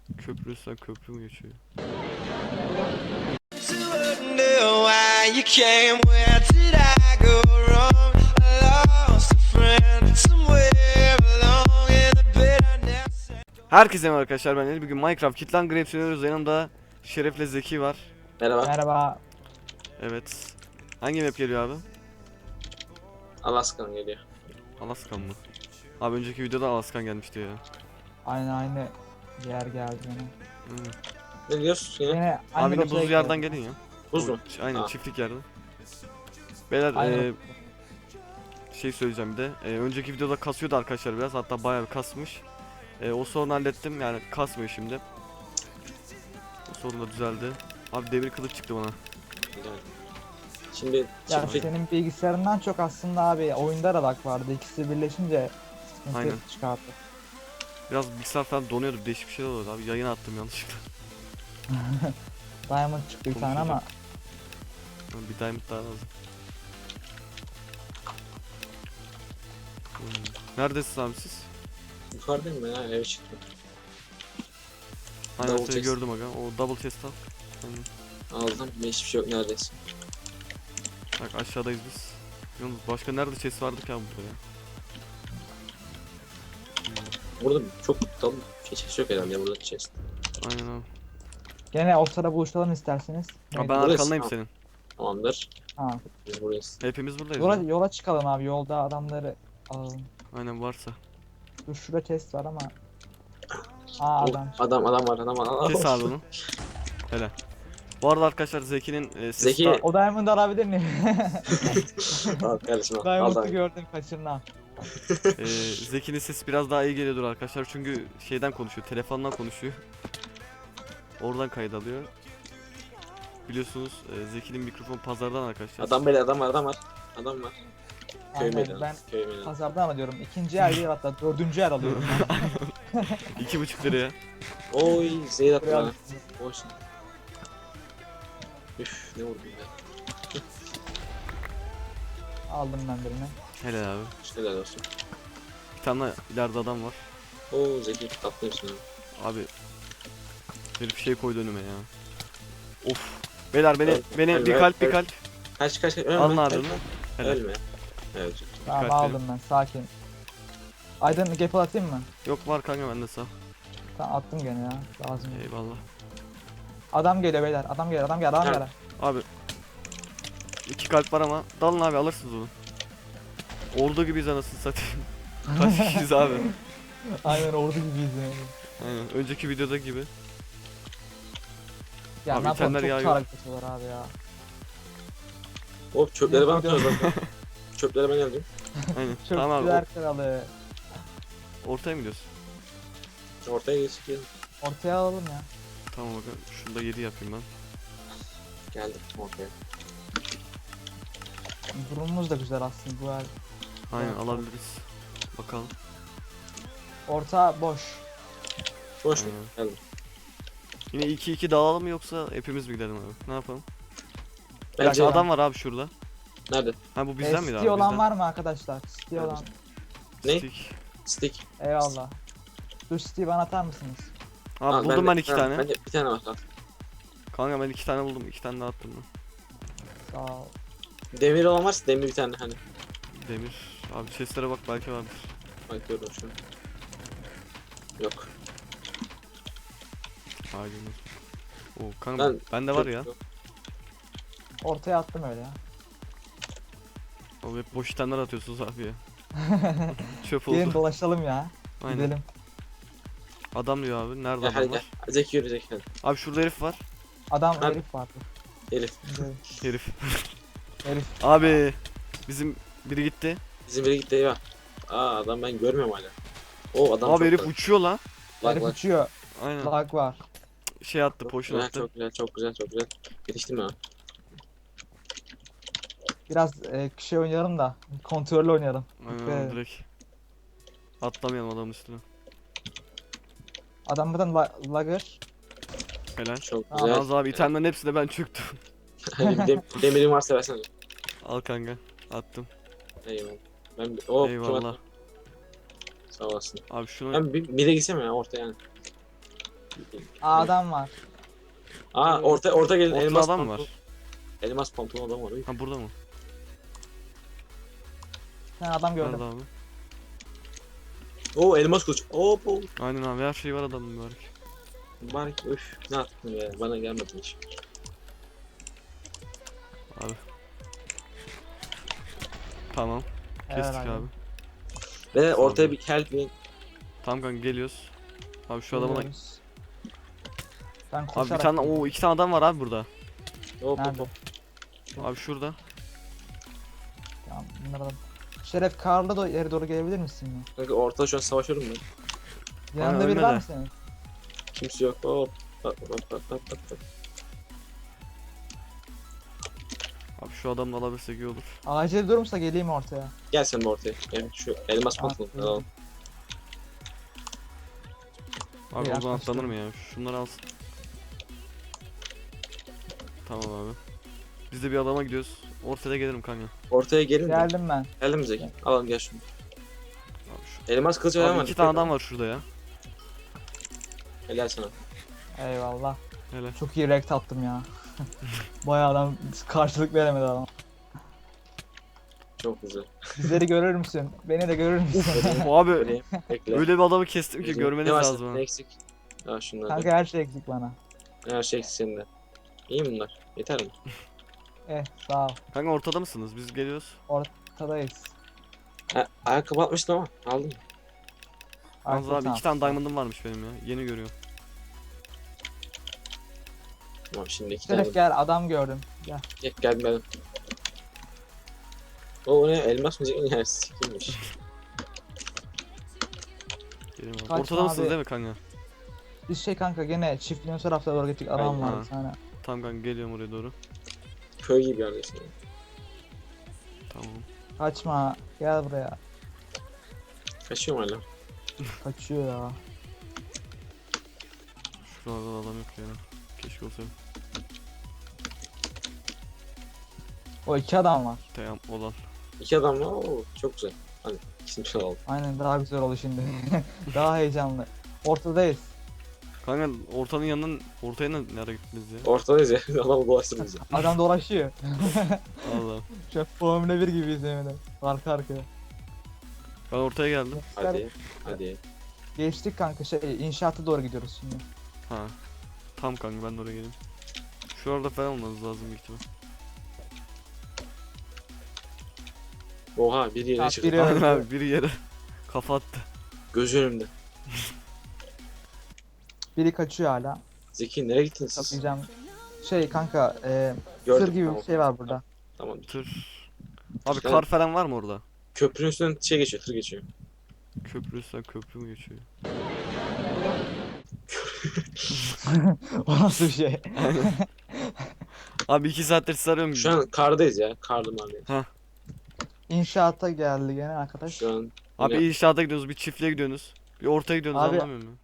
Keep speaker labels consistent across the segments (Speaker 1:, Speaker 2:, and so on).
Speaker 1: Köprü üstten köprü mü geçiyor? Herkese merhaba arkadaşlar, ben Ali. Bugün Minecraft Kitlan Grapes oynuyoruz. Yanımda Şeref'le Zeki var.
Speaker 2: Merhaba.
Speaker 3: Merhaba.
Speaker 1: Evet. Hangi map geliyor abi?
Speaker 2: Alaskan geliyor.
Speaker 1: Alaskan mı? Abi önceki videoda Alaskan gelmişti ya.
Speaker 3: Aynı yer geldi yine.
Speaker 1: Hmm.
Speaker 2: Ne diyorsun ya?
Speaker 3: Yine
Speaker 1: Abi
Speaker 3: aynı
Speaker 1: yine
Speaker 3: rotaya
Speaker 1: buzlu yerden
Speaker 3: gidiyoruz.
Speaker 1: gelin ya.
Speaker 2: Buz mu?
Speaker 1: Aynen,
Speaker 2: Ha.
Speaker 1: çiftlik yerden. Beyler
Speaker 3: Aynı rota.
Speaker 1: şey söyleyeceğim bir de. Önceki videoda kasıyordu arkadaşlar biraz. Hatta bayağı bir kasmış. O sorunu hallettim, yani kasmıyor şimdi. O sorun da düzeldi. Abi demir kılıç çıktı bana.
Speaker 2: Güzel. Şimdi
Speaker 3: Ya
Speaker 2: çiftlik
Speaker 3: senin bilgisayarından çok aslında abi oyunda da lag vardı. İkisi birleşince
Speaker 1: Aynen.
Speaker 3: sıkıntı çıkarttı.
Speaker 1: Biraz bilgisayar falan donuyordu, değişik bir şeyler oldu abi. Yayına attım yanlışlıkla.
Speaker 3: Diamond çıktı bir tane ama
Speaker 1: Bir diamond daha lazım. Neredesiniz abi siz?
Speaker 2: yukarıdayım ben ha, eve çıktım.
Speaker 1: Aynen,
Speaker 2: Double
Speaker 1: seni
Speaker 2: chest.
Speaker 1: gördüm aga. O double chest al. Aynen.
Speaker 2: Aldım. Hiçbir şey yok neredeyse.
Speaker 1: Bak aşağıdayız biz. Yalnız başka nerede chest vardı ki abi burada ya?
Speaker 2: Burada çok tam chest yok herhalde ya, burada chest.
Speaker 1: Aynen abi.
Speaker 3: gene ortada buluşalım isterseniz.
Speaker 1: Abi ben
Speaker 2: Burası,
Speaker 1: arkandayım
Speaker 2: tamam.
Speaker 1: senin.
Speaker 2: Tamamdır.
Speaker 3: Ha.
Speaker 2: Biz buradayız.
Speaker 1: Hepimiz buradayız.
Speaker 3: Yola,
Speaker 1: ya.
Speaker 3: yola çıkalım abi, yolda adamları alalım.
Speaker 1: Aynen, varsa.
Speaker 3: Dur, şurada chest var ama. Aa, adam.
Speaker 2: Adam var.
Speaker 1: Kes abi onu. Hele. Bu arada arkadaşlar Zeki'nin sesi
Speaker 2: Zeki-
Speaker 1: daha...
Speaker 3: O Diamond'ı alabilir miyim?
Speaker 2: Al kardeşim al. Al
Speaker 3: Diamond'ı
Speaker 2: da.
Speaker 3: gördüm, kaçırma.
Speaker 1: Zeki'nin sesi biraz daha iyi geliyordur arkadaşlar, çünkü şeyden konuşuyor, telefondan konuşuyor. Oradan kayıt alıyor. Biliyorsunuz Zeki'nin mikrofon pazardan arkadaşlar.
Speaker 2: Adam böyle adam var. Adam var. Köy
Speaker 3: Aynen,
Speaker 2: meydanı.
Speaker 3: ben
Speaker 2: Köy meydanı.
Speaker 3: pazardan alıyorum. İkinci yer değil, hatta dördüncü yer alıyorum ben.
Speaker 1: 2,5 liraya.
Speaker 2: Oy zehir attı
Speaker 3: Buraya
Speaker 2: bana.
Speaker 3: alırsınız.
Speaker 2: Boş. Üf ne vurdum be.
Speaker 3: Aldım ben birini.
Speaker 1: Helal abi.
Speaker 2: Helal olsun.
Speaker 1: Bir tane daha ileride adam var.
Speaker 2: Oo Zeki tatlıyorsun abi.
Speaker 1: Abi herif şey koydu önüme ya. Of. Beyler beni
Speaker 2: Ölme,
Speaker 1: bir kalp bir
Speaker 2: ölme.
Speaker 1: kalp.
Speaker 2: Kaç ölme.
Speaker 1: Alın abi
Speaker 2: ölme.
Speaker 1: onu. Helal.
Speaker 2: Ölme. Evet.
Speaker 3: Tamam,
Speaker 1: Dikkatli.
Speaker 3: aldım ben, sakin. Aydın gap atayım mı?
Speaker 1: Yok, var kanka bende sağ.
Speaker 3: Tamam, attım gene ya. Lazım.
Speaker 1: Eyvallah.
Speaker 3: Adam geliyor beyler. Adam geliyor. Adam
Speaker 2: Ha.
Speaker 3: geliyor.
Speaker 1: Abi 2 kalp var ama dalın abi, alırsınız onu. Ordu gibiyiz anasını satayım. Kaç kişiyiz abi?
Speaker 3: Aynen ordu gibiyiz yani.
Speaker 1: Aynen, önceki videoda gibi.
Speaker 3: Ya
Speaker 1: Abi
Speaker 3: ne yapalım,
Speaker 1: itemler
Speaker 3: çok
Speaker 1: yağıyor.
Speaker 3: çarpık atıyorlar abi ya.
Speaker 2: Hop çöpleri bana
Speaker 3: Video-
Speaker 2: atıyoruz zaten. Çöpleri ben geldim.
Speaker 1: Aynen.
Speaker 3: Çok
Speaker 1: Tamam abi,
Speaker 3: güzel kralı.
Speaker 1: ortaya mı gidiyorsun?
Speaker 2: Ortaya geçtik.
Speaker 3: Ortaya alalım ya.
Speaker 1: Tamam bakın, şunu da 7 yapayım ben.
Speaker 2: Geldim ortaya.
Speaker 3: Durumumuz da güzel aslında bu yer.
Speaker 1: Aynen,
Speaker 3: Evet,
Speaker 1: alabiliriz. Bakalım.
Speaker 3: Orta boş.
Speaker 2: Boş mu?
Speaker 1: Aynen.
Speaker 2: Geldim.
Speaker 1: Yine 2-2 dağılalım mı, yoksa hepimiz mi gidelim abi? Ne yapalım? Bir
Speaker 2: Bence
Speaker 1: dakika, adam var abi şurada.
Speaker 2: nerede?
Speaker 1: Ha, bu bizden miydi abi?
Speaker 3: City olan
Speaker 1: Bizden.
Speaker 3: var mı arkadaşlar? City
Speaker 2: Evet.
Speaker 3: olan.
Speaker 2: Ne?
Speaker 1: Stick.
Speaker 2: Stick.
Speaker 3: Eyvallah. Dur, City bana atar mısınız?
Speaker 1: Abi
Speaker 2: Aa,
Speaker 1: buldum ben 2
Speaker 2: ha,
Speaker 1: tane.
Speaker 2: Bende bir tane var. Al.
Speaker 1: Kanka ben 2 tane buldum. 2 tane daha attım ben.
Speaker 3: Sağ ol.
Speaker 2: Demir olan varsa demir bir tane hani.
Speaker 1: Demir. Abi chestlere bak, belki vardır.
Speaker 2: Bakıyorum şu an. Yok.
Speaker 1: Hayır. Oo kanka,
Speaker 2: Ben
Speaker 1: bende var
Speaker 2: çok-
Speaker 1: ya.
Speaker 3: Ortaya attım öyle ya.
Speaker 1: Oğlum hep boş itemler atıyorsunuz abi ya. Çöp
Speaker 3: Gelin
Speaker 1: oldu.
Speaker 3: dolaşalım ya.
Speaker 1: Aynen.
Speaker 3: Gidelim.
Speaker 1: Adam diyor abi. Nerede
Speaker 2: Ya hadi
Speaker 1: adam
Speaker 2: gel.
Speaker 1: var?
Speaker 2: Zeki yürü Zeki hadi.
Speaker 1: Abi şurada herif var.
Speaker 3: Adam
Speaker 2: Abi.
Speaker 3: herif vardı.
Speaker 2: Elif.
Speaker 3: Gidelim.
Speaker 1: Herif.
Speaker 3: Herif.
Speaker 1: Abi bizim biri gitti.
Speaker 2: Bizim biri gitti eyvah. Aa adam ben görmüyorum hala. O adam
Speaker 1: Abi
Speaker 2: çok
Speaker 1: herif
Speaker 2: da-
Speaker 1: uçuyor lan.
Speaker 2: Bak
Speaker 3: Herif
Speaker 2: bak.
Speaker 3: uçuyor.
Speaker 1: Aynen.
Speaker 3: Lag var.
Speaker 1: Şey attı,
Speaker 2: Çok
Speaker 1: potion
Speaker 2: güzel,
Speaker 1: attı.
Speaker 2: çok güzel, çok güzel, çok güzel. Yetiştim ha.
Speaker 3: Biraz şey oynayalım da. Kontrollü oynayalım.
Speaker 1: Aynen
Speaker 3: Be.
Speaker 1: abi, direkt. Atlamayalım adamın üstüne.
Speaker 3: Adam buradan lagger.
Speaker 1: Helal.
Speaker 2: Çok
Speaker 3: Aa,
Speaker 2: güzel.
Speaker 1: Yalnız abi itemlerin hepsine ben çöktüm.
Speaker 2: Hani bir demirin varsa versene.
Speaker 1: Al kanka. Attım.
Speaker 2: Eyvallah. Ben o
Speaker 1: Eyvallah.
Speaker 2: Sağ olasın.
Speaker 1: Abi şunu
Speaker 2: Ben bir de gitsem ya ortaya yani.
Speaker 3: Aa, adam var.
Speaker 2: Aa orta gelin,
Speaker 1: Ortada
Speaker 2: elmas
Speaker 1: adam
Speaker 2: pantolon.
Speaker 1: var.
Speaker 2: Elmas pantolon adam var.
Speaker 1: Ha burada mı?
Speaker 3: Ben adam gördüm.
Speaker 1: Nerede abi?
Speaker 2: Oo elmas kılıç. Oo.
Speaker 1: Aynen abi her şey var adamın mübarek.
Speaker 2: Bari öf ne yaptın be, bana gelmedi hiç.
Speaker 1: Abi. Tamam.
Speaker 3: Evet
Speaker 1: Kestik
Speaker 3: abi.
Speaker 1: abi.
Speaker 2: Ve
Speaker 1: Sağ
Speaker 2: ortaya
Speaker 1: ol.
Speaker 2: bir help me.
Speaker 1: Tamam kanka geliyoruz. Abi şu adama da...
Speaker 3: Geliyoruz. Ben
Speaker 1: Abi bir
Speaker 3: koşarak
Speaker 1: tane
Speaker 3: geliyorum.
Speaker 1: 2 tane adam var abi burada.
Speaker 2: Hop hop
Speaker 3: Nerede?
Speaker 2: hop.
Speaker 1: Abi şurada.
Speaker 3: Tamam, bunları alalım. Şeref Karlı da yere doğru gelebilir misin ya?
Speaker 2: Kanka ortada şu an savaşıyorum ben.
Speaker 3: Yanında biri
Speaker 1: ölme
Speaker 3: var
Speaker 1: de.
Speaker 3: mı senin?
Speaker 2: Kimse yok. Hop. Hop.
Speaker 1: Abi şu adamla alabilsek iyi olur.
Speaker 3: Acil durumsa geleyim ortaya.
Speaker 2: Gel sen de ortaya. Gel şu elmas pantolon
Speaker 3: Aa,
Speaker 2: alalım.
Speaker 1: Abi
Speaker 3: İyi,
Speaker 1: oradan
Speaker 3: yaklaştım.
Speaker 1: atlanır mı ya? Şunları alsın. Tamam abi. Biz de bir adama gidiyoruz. Ortada gelirim kanka.
Speaker 2: Ortaya gelin de.
Speaker 3: Geldim ben.
Speaker 2: Geldim Zeki. Alalım gel şunu.
Speaker 1: Abi, şu...
Speaker 2: Elmas kılıç var
Speaker 1: abi
Speaker 2: mı?
Speaker 1: 2 tane adam var şurada ya.
Speaker 2: Helal sana.
Speaker 3: Eyvallah.
Speaker 1: Hele.
Speaker 3: Çok iyi rekt attım ya. Bayağı adam karşılık veremedi adam.
Speaker 2: Çok güzel.
Speaker 3: Bizleri görür müsün? Beni de görür müsün?
Speaker 1: O abi
Speaker 2: Vereyim. Bekle.
Speaker 1: öyle bir adamı kestim ki görmeniz
Speaker 2: Ne var
Speaker 1: lazım.
Speaker 2: senin?
Speaker 1: ha.
Speaker 2: Ne eksik? Ha şunlar.
Speaker 3: Kanka her şey eksik bana.
Speaker 2: Her şey eksik senin de. İyi mi bunlar? Yeter mi?
Speaker 3: Sağ ol.
Speaker 1: Kanka ortada mısınız? Biz geliyoruz.
Speaker 3: Ortadayız.
Speaker 2: Ha, ayakkabı atmıştım ama aldım.
Speaker 1: Yalnız
Speaker 3: Arka
Speaker 1: abi
Speaker 3: tamam.
Speaker 1: 2 tane diamond'ım varmış benim ya. Yeni görüyorum.
Speaker 2: Tamam şimdi iki tane.
Speaker 3: Şeref gel, adam gördüm. Gel.
Speaker 2: Geldim geldim. O ne elmas mı Zeki? Ya sikilmiş.
Speaker 1: Gelin abi.
Speaker 3: Kaçma
Speaker 1: Ortada mısınız
Speaker 3: abi.
Speaker 1: değil mi kanka?
Speaker 3: Biz şey kanka gene çiftliğin o tarafta doğru gittik. Adam
Speaker 2: Aynen.
Speaker 3: var
Speaker 1: Ha.
Speaker 3: bir tane.
Speaker 1: Tamam kanka geliyorum oraya doğru.
Speaker 2: Köy gibi yerdesin.
Speaker 1: Tamam.
Speaker 3: Kaçma. Gel buraya.
Speaker 2: Kaçıyorum hala.
Speaker 3: Kaçıyor ya.
Speaker 1: Şurada adam yok ya. Keşke olsaydı.
Speaker 3: O iki adam var.
Speaker 1: Tamam olan.
Speaker 2: İki adam var. Oo, çok güzel. Hadi ikisini bir alalım.
Speaker 3: Aynen, daha güzel oldu şimdi. Daha heyecanlı. Ortadayız.
Speaker 1: Kanka ortanın yanından ortaya nereye gittiniz ya?
Speaker 2: Ortadayız ya. Adamı dolaştırın bizi.
Speaker 3: Adam dolaşıyor.
Speaker 1: Allah.
Speaker 3: Şu an Formula 1 gibiyiz yemin. Arka arkaya.
Speaker 1: Ben ortaya geldim.
Speaker 2: Hadi. Hadi.
Speaker 3: Geçtik kanka, inşaata doğru gidiyoruz şimdi.
Speaker 1: Ha. Tam kanka ben de oraya geleyim. Şurada falan olmanız lazım büyük ihtimal.
Speaker 2: Oha bir yere
Speaker 3: Ha,
Speaker 2: çıktı.
Speaker 3: biri-
Speaker 1: Aynen
Speaker 3: öldü.
Speaker 1: abi biri yere kafa attı.
Speaker 2: Gözü önümde.
Speaker 3: Biri kaçıyor hala.
Speaker 2: Zeki nereye gittiniz siz?
Speaker 3: Kapayacağım. Kanka,
Speaker 2: Gördüm,
Speaker 3: sır gibi
Speaker 2: tamam.
Speaker 3: bir şey var burada.
Speaker 2: Tamam.
Speaker 1: Tır. Abi
Speaker 2: Evet.
Speaker 1: kar falan var mı orada?
Speaker 2: Köprünün üstünden şey geçiyor, tır geçiyor.
Speaker 1: Köprü üstten köprü mü geçiyor?
Speaker 3: O nasıl bir şey?
Speaker 1: Abi 2 saattir sizi arıyorum.
Speaker 2: Şu an kardayız ya. Karlı mahalle.
Speaker 3: İnşaata geldi gene arkadaş.
Speaker 2: Şu an
Speaker 1: Abi
Speaker 2: yine-
Speaker 1: inşaata gidiyorsunuz, bir çiftliğe gidiyorsunuz. Bir ortaya gidiyorsunuz
Speaker 3: Abi-
Speaker 1: anlamıyor musun?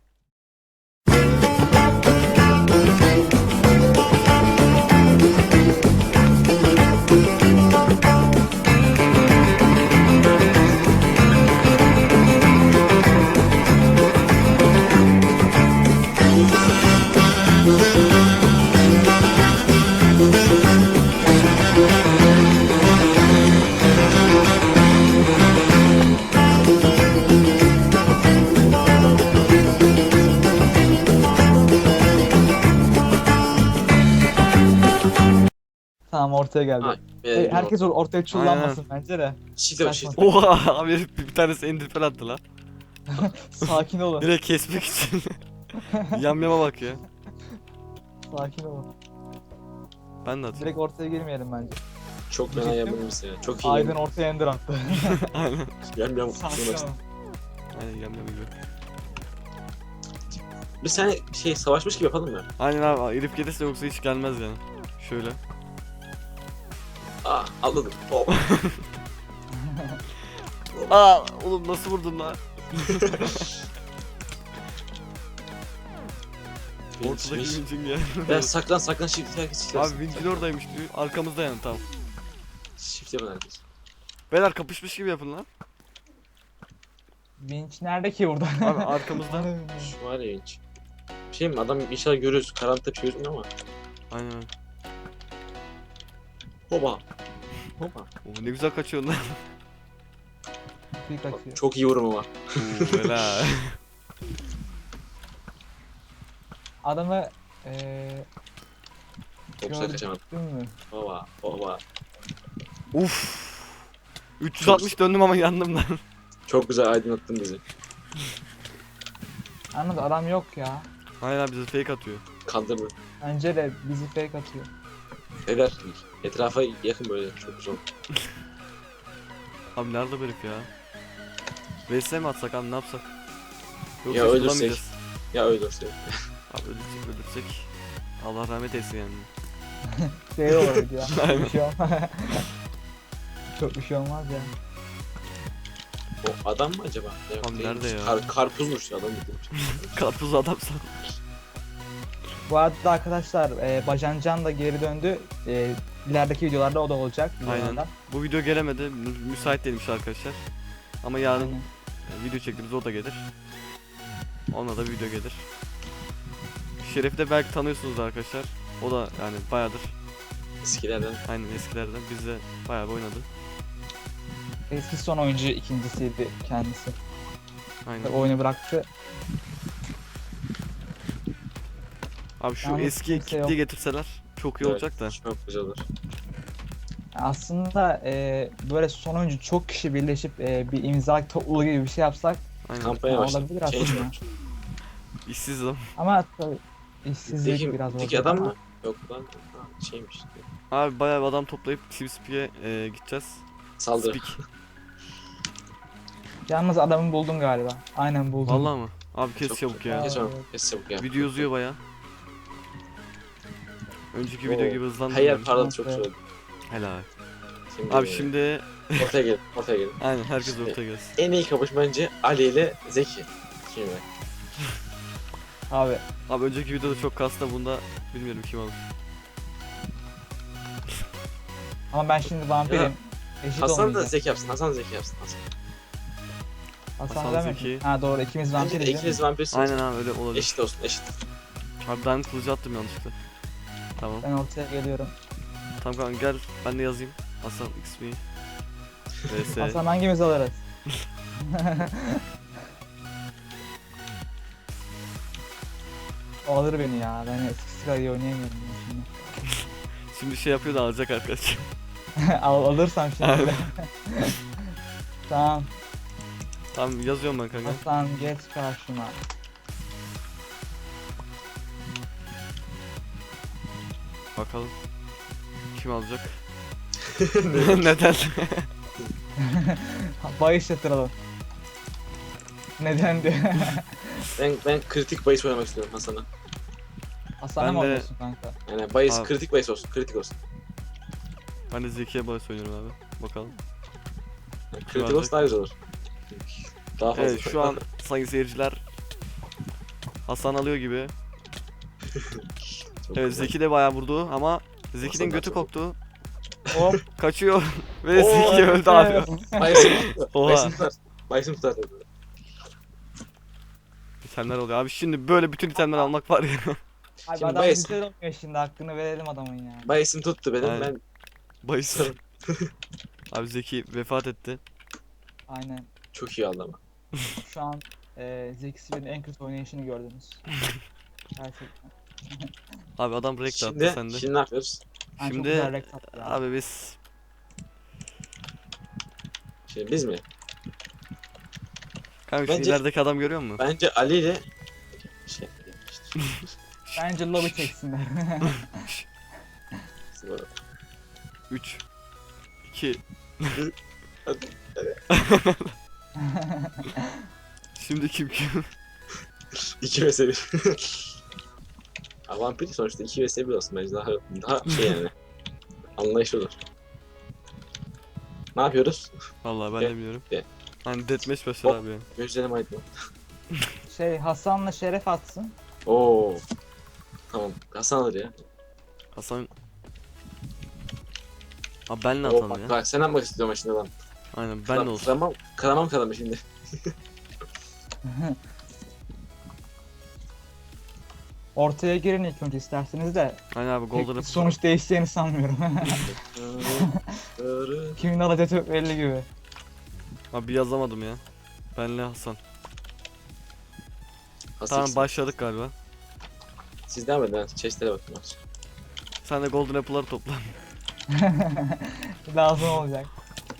Speaker 3: Tamam, ortaya geldi.
Speaker 2: Ha,
Speaker 3: Herkes ortaya çullanmasın bence de.
Speaker 2: Shift var
Speaker 3: saçma.
Speaker 2: shift.
Speaker 1: Oha abi bir tanesi endirpel attı lan.
Speaker 3: Sakin olun.
Speaker 1: Direkt kesmek için. Yamyama bak ya.
Speaker 3: Sakin olun.
Speaker 1: Ben de atayım.
Speaker 3: Direkt ortaya girmeyelim bence.
Speaker 2: Çok fena
Speaker 3: Diyecektim.
Speaker 2: yapılmış ya. Çok iyi.
Speaker 3: Aydın ortaya ender attı.
Speaker 1: Aynen.
Speaker 2: Yam
Speaker 3: Sakin olun.
Speaker 1: Aynen yamyama gibi.
Speaker 2: Bir sen şey savaşmış gibi yapalım mı?
Speaker 1: Aynen abi herif gelirse yoksa hiç gelmez yani. Şöyle.
Speaker 2: Aa atladım. Hop.
Speaker 1: Aa oğlum nasıl vurdun lan? Ortadaki vincin ya.
Speaker 2: Ben saklan shift herkes shift yapsın.
Speaker 1: Abi vincin oradaymış diyor. Arkamızda yani tamam.
Speaker 2: Shift yapın herkes.
Speaker 1: Beyler kapışmış gibi yapın lan.
Speaker 3: Vinç nerede ki burada?
Speaker 1: Abi arkamızda.
Speaker 2: Şu var ya hiç. şey mi? Adam inşallah görürüz. Karanlıkta bir şey gözükmüyor ama.
Speaker 1: Aynen.
Speaker 2: Hoba. Hoba.
Speaker 1: Oo, ne güzel kaçıyorsun lan.
Speaker 3: Bir kaçıyor.
Speaker 2: Çok iyi vurum ama.
Speaker 1: Oo, helal.
Speaker 3: Adamı
Speaker 2: Çok güzel kaçamadım.
Speaker 3: gördün mü?
Speaker 2: Hoba. Hoba.
Speaker 1: Uf. 360 döndüm ama yandım lan.
Speaker 2: Çok güzel aydınlattın bizi.
Speaker 3: Anladım, adam yok ya.
Speaker 1: Aynen abi, bize fake atıyor.
Speaker 2: Kandırdın.
Speaker 3: Bence de bizi fake atıyor.
Speaker 2: Beyler etrafa yakın böyle. Çok güzel.
Speaker 1: Abi nerede bu herif ya? VS mi atsak abi, ne yapsak?
Speaker 2: Ya
Speaker 1: hiç
Speaker 2: ölürsek?
Speaker 1: bulamayacağız.
Speaker 2: Ya öldürse.
Speaker 1: Abi ölürsek. Allah rahmet eylesin yani.
Speaker 3: Şey olur ya.
Speaker 1: Aynen.
Speaker 3: Bir şey olmaz. Çok bir şey olmaz ya.
Speaker 2: O adam mı acaba? Yok,
Speaker 1: Abi
Speaker 2: değilmiş.
Speaker 1: nerede ya?
Speaker 2: Karpuzmuş ya adam dedim.
Speaker 1: Karpuz adam san.
Speaker 3: Bu arada arkadaşlar Bacancan da geri döndü. İlerideki videolarda o da olacak.
Speaker 1: Aynen.
Speaker 3: videolarda.
Speaker 1: Bu video gelemedi. Müsait değilmiş arkadaşlar. Ama yarın
Speaker 3: Aynen.
Speaker 1: video çektiğimiz o da gelir. Ona da video gelir. Şeref'i de belki tanıyorsunuz arkadaşlar. O da yani bayağıdır.
Speaker 2: Eskilerden.
Speaker 1: Aynen eskilerden. Bizde bayağı bir oynadı.
Speaker 3: Eski son oyuncu ikincisiydi kendisi.
Speaker 1: Aynen.
Speaker 3: Oyunu bıraktı.
Speaker 1: Abi şu
Speaker 3: Yalnız
Speaker 1: eski
Speaker 3: kimse
Speaker 1: kitleyi
Speaker 3: yok.
Speaker 1: getirseler çok iyi olacak da.
Speaker 2: Çok güzel olur.
Speaker 3: Aslında böyle son oyuncu çok kişi birleşip bir imza topluluğu gibi bir şey yapsak
Speaker 1: Aynen.
Speaker 2: Kampanya
Speaker 3: olabilir
Speaker 2: başladı.
Speaker 3: aslında.
Speaker 1: İşsiz adam.
Speaker 3: Ama tabii işsizlik biraz
Speaker 2: Peki
Speaker 3: olacak
Speaker 2: adam
Speaker 3: ama
Speaker 2: mı? Yok lan. Ha, şeymiş.
Speaker 1: Abi bayağı bir adam toplayıp TeamSpeak'e gideceğiz.
Speaker 2: Saldırı.
Speaker 1: Speak.
Speaker 3: Yalnız adamı buldum galiba. Aynen buldum.
Speaker 1: Vallahi mı? Abi kes
Speaker 2: Çok
Speaker 1: çabuk
Speaker 2: güzel.
Speaker 1: ya.
Speaker 2: Kes onu. Kes çabuk ya.
Speaker 1: Video uzuyor bayağı. Önceki video
Speaker 2: Oo.
Speaker 1: gibi
Speaker 2: Her yer
Speaker 1: hızlandırmıyorum.
Speaker 2: parladı çok güzel oldu.
Speaker 1: Helal.
Speaker 2: Şimdi,
Speaker 1: Abi şimdi
Speaker 2: Ortaya gelin. Ortaya gelin.
Speaker 1: aynen herkes
Speaker 2: Şimdi-
Speaker 1: ortaya gelsin.
Speaker 2: En iyi kapış bence Ali ile Zeki. Şimdi.
Speaker 3: Abi
Speaker 1: Abi önceki videoda çok kastı, bunda bilmiyorum kim alır.
Speaker 3: ama ben şimdi vampirim. Eşit
Speaker 2: Hasan da
Speaker 3: olmayacak.
Speaker 2: Zeki yapsın. Hasan Zeki yapsın. Hasan.
Speaker 3: Hasan
Speaker 1: Hasan
Speaker 3: demek
Speaker 1: Zeki.
Speaker 3: mi? Ha doğru, ikimiz
Speaker 2: Bence
Speaker 3: vampiriz
Speaker 2: de
Speaker 3: değil mi?
Speaker 2: ikiniz vampirsiniz.
Speaker 1: Aynen abi öyle olabilir.
Speaker 2: Eşit olsun eşit.
Speaker 1: Abi ben kılıcı attım yanlışlıkla. Tamam.
Speaker 3: Ben ortaya geliyorum.
Speaker 1: Tamam kanka gel ben de yazayım. Hasan XP. VS.
Speaker 3: Hasan hangimiz alırız? O alır beni ya. Ben eskisi kadar iyi oynayamıyorum ya şimdi.
Speaker 1: Şimdi şey yapıyor da alacak arkadaş.
Speaker 3: Alırsam
Speaker 1: Aynen.
Speaker 3: şimdi. Tamam.
Speaker 1: Tamam yazıyorum ben kanka.
Speaker 3: Hasan geç karşıma.
Speaker 1: Bakalım. Kim alacak? Neden?
Speaker 3: Bahis yatıralım. Neden diyor.
Speaker 2: Ben kritik bahis oynamak istiyorum Hasan'a.
Speaker 3: Hasan'a
Speaker 1: Ben
Speaker 3: mı
Speaker 1: de-
Speaker 3: oynuyorsun kanka?
Speaker 2: Yani bahis
Speaker 1: Abi.
Speaker 2: kritik bahis olsun. Kritik olsun.
Speaker 1: Ben de Zeki'ye bahis oynuyorum abi. Bakalım.
Speaker 2: Yani
Speaker 1: Kim
Speaker 2: kritik
Speaker 1: alacak?
Speaker 2: olsun daha güzel olur. Daha fazla.
Speaker 1: Evet şu an sayın seyirciler Hasan alıyor gibi.
Speaker 2: Çok
Speaker 1: Evet
Speaker 2: güzel.
Speaker 1: Zeki de bayağı vurdu ama Zeki'nin
Speaker 2: Hasan
Speaker 1: götü
Speaker 2: da çok-
Speaker 1: koktu.
Speaker 3: Hop.
Speaker 1: Kaçıyor ve
Speaker 2: Oo,
Speaker 1: Zeki öldü abi.
Speaker 2: Bahis'im tutar.
Speaker 1: Oha.
Speaker 2: Bahis'im tutar. Bahis'im tutar.
Speaker 1: İtemler oluyor abi, şimdi böyle bütün itemleri almak var ya.
Speaker 3: Abi
Speaker 2: Şimdi
Speaker 3: adam
Speaker 2: bahis-
Speaker 3: güzel oynuyor şimdi, hakkını verelim adamın ya.
Speaker 2: Bahis'im tuttu benim.
Speaker 1: Aynen.
Speaker 2: Ben
Speaker 1: Bahis. Abi Zeki vefat etti.
Speaker 3: Aynen.
Speaker 2: çok iyi aldım ama.
Speaker 3: Şu an Zeki Sibel'in en kötü oynayışını gördünüz. Gerçekten.
Speaker 1: Abi adam break de attı
Speaker 2: Şimdi,
Speaker 1: sende.
Speaker 2: şimdi ne yapıyoruz?
Speaker 3: Yani çok
Speaker 1: Şimdi-
Speaker 3: güzel rekt attı ya.
Speaker 1: Abi biz
Speaker 2: Şimdi biz mi?
Speaker 1: kanka şu
Speaker 2: Bence-
Speaker 1: ilerideki adam görüyor musun?
Speaker 2: Bence Ali ile şey
Speaker 3: Bence lobi çeksinler.
Speaker 1: 3 2
Speaker 2: Hadi,
Speaker 1: Şimdi kim?
Speaker 2: 2 vs 1. Ya vampir sonuçta 2 vs 1 olsun bence daha şey yani. Anlayışlı olur. Ne yapıyoruz?
Speaker 1: Vallahi ben
Speaker 2: Gel,
Speaker 1: de biliyorum.
Speaker 2: gel.
Speaker 1: Hani deathmatch başlar
Speaker 2: Hop.
Speaker 1: abi ya.
Speaker 2: Gözlerim aydın.
Speaker 3: Hasan'la Şeref atsın.
Speaker 2: Oo. Tamam. Hasan alır ya.
Speaker 1: Hasan abi benle
Speaker 2: Oo,
Speaker 1: atalım
Speaker 2: bak,
Speaker 1: ya.
Speaker 2: bak sen yapmak istiyorum şimdi lan.
Speaker 1: Aynen benle olsun.
Speaker 2: Karamam kalamı şimdi.
Speaker 3: Ortaya girin ilk önce isterseniz de.
Speaker 1: Aynen abi
Speaker 3: Pek
Speaker 1: golden
Speaker 3: sonuç değişeceğini sanmıyorum. Kimin alacağı çok belli gibi.
Speaker 1: Abi yazamadım ya. Benle Hasan.
Speaker 2: Hasıl
Speaker 1: Tamam
Speaker 2: ikisi.
Speaker 1: başladık galiba.
Speaker 2: Siz devam edin. Ben chestlere bakayım az.
Speaker 1: Sen de golden apple'ları topla.
Speaker 3: Lazım olacak.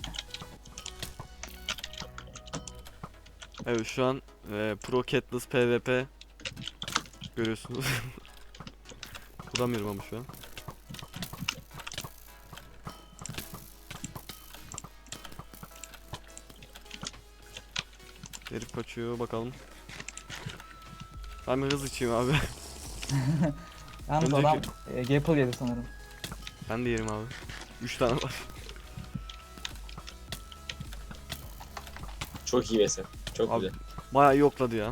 Speaker 1: Evet şu an Pro Katniss PvP görüyorsunuz. Vuramıyorum ama şu an. Herif kaçıyor bakalım. Ben bir hız içeyim abi.
Speaker 3: Yalnız
Speaker 1: Önceki-
Speaker 3: adam Gapple yedi sanırım.
Speaker 1: Ben de yerim abi. 3 tane var.
Speaker 2: Çok iyi vs. Çok
Speaker 1: Abi,
Speaker 2: güzel.
Speaker 1: bayağı iyi yokladı ya.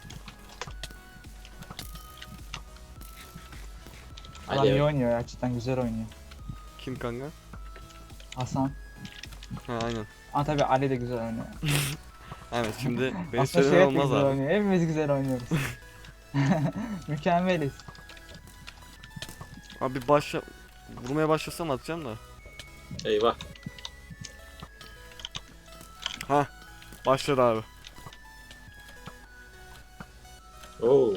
Speaker 3: Adam
Speaker 2: Ali
Speaker 3: iyi
Speaker 2: evet.
Speaker 3: oynuyor ya, cidden güzel oynuyor.
Speaker 1: Kim kanka?
Speaker 3: Hasan.
Speaker 1: Ha aynen.
Speaker 3: Ama tabii Ali de güzel oynuyor.
Speaker 1: Evet şimdi beni
Speaker 3: Aslında
Speaker 1: söylemen
Speaker 3: Şeref de
Speaker 1: olmaz
Speaker 3: güzel
Speaker 1: abi.
Speaker 3: oynuyor. Hepimiz güzel oynuyoruz. Mükemmeliz.
Speaker 1: Abi vurmaya başlasam atacağım da.
Speaker 2: Eyvah.
Speaker 1: Ha başladı abi.
Speaker 2: Oo.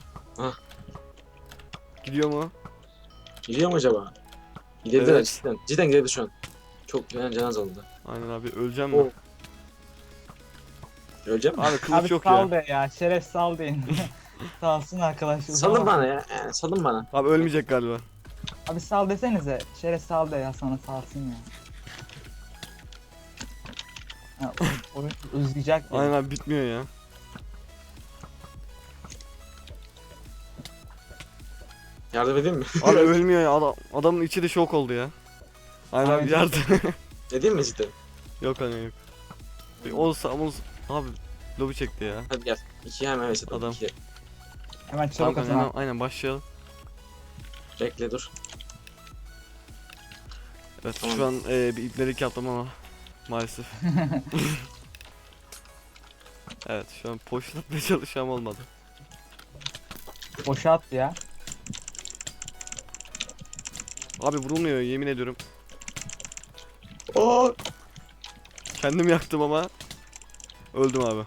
Speaker 1: Gidiyor mu?
Speaker 2: Gidiyor mu acaba? Gidebilirler
Speaker 1: Evet.
Speaker 2: cidden. Cidden gidebilir şu an. Çok fena can azaldı.
Speaker 1: Aynen abi öleceğim mi?
Speaker 2: Oo. Öleceğim mi?
Speaker 1: Abi kılıç
Speaker 3: Abi
Speaker 1: yok
Speaker 3: sal
Speaker 1: ya.
Speaker 3: be ya. Şeref sal deyin. Salsın arkadaşlar.
Speaker 2: Salın bana ya. Salın bana.
Speaker 1: Abi ölmeyecek galiba.
Speaker 3: Abi sal desenize. Şeref sal de ya, sana salsın ya. Ha, oyun uzayacak ya.
Speaker 1: Aynen abi bitmiyor ya.
Speaker 2: Yardım edeyim mi?
Speaker 1: Abi ölmüyor ya adamın içi de şok oldu ya. Aynen abi
Speaker 3: Aynen.
Speaker 1: yardım.
Speaker 2: Edeyim mi cidden?
Speaker 1: Yok hani yok. Olsa abi lobi çekti ya.
Speaker 2: Hadi gel. İki hemen vs atalım.
Speaker 1: Adam.
Speaker 2: İki.
Speaker 3: Hemen
Speaker 1: Tamam
Speaker 3: çabuk
Speaker 1: kanka,
Speaker 3: atın.
Speaker 1: hemen, aynen başlayalım.
Speaker 2: Bekle dur.
Speaker 1: Evet
Speaker 2: Tamam.
Speaker 1: şu an bir ibnelik yaptım ama maalesef. Evet şu an poşlatmaya çalışacağım olmadı.
Speaker 3: Boşa at ya.
Speaker 1: Abi vurulmuyor yemin ediyorum.
Speaker 2: Oo.
Speaker 1: Kendim yaktım ama öldüm abi.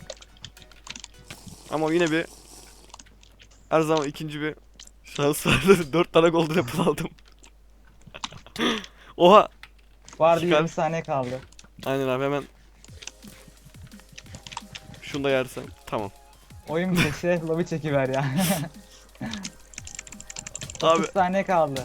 Speaker 1: Ama yine bir her zaman ikinci bir şans vardı. 4 tane golden apple aldım. Oha.
Speaker 3: Vardı
Speaker 1: Çıkar.
Speaker 3: 20 saniye kaldı.
Speaker 1: Aynen abi hemen. Şunu da yersen tamam.
Speaker 3: Oyun bile Şeref lobi çekiver ya.
Speaker 1: Abi
Speaker 3: 30 saniye kaldı.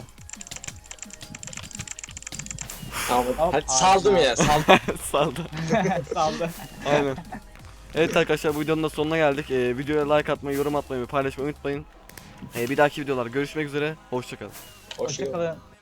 Speaker 2: Tamam.
Speaker 3: Hop,
Speaker 2: Hadi saldım ya. Saldım.
Speaker 1: saldı.
Speaker 3: Saldı.
Speaker 1: Aynen. Evet arkadaşlar bu videonun da sonuna geldik. Videoya like atmayı, yorum atmayı ve paylaşmayı unutmayın. Bir dahaki videolar görüşmek üzere. Hoşçakalın.
Speaker 2: Hoşçakalın.
Speaker 3: Hoşçakalın.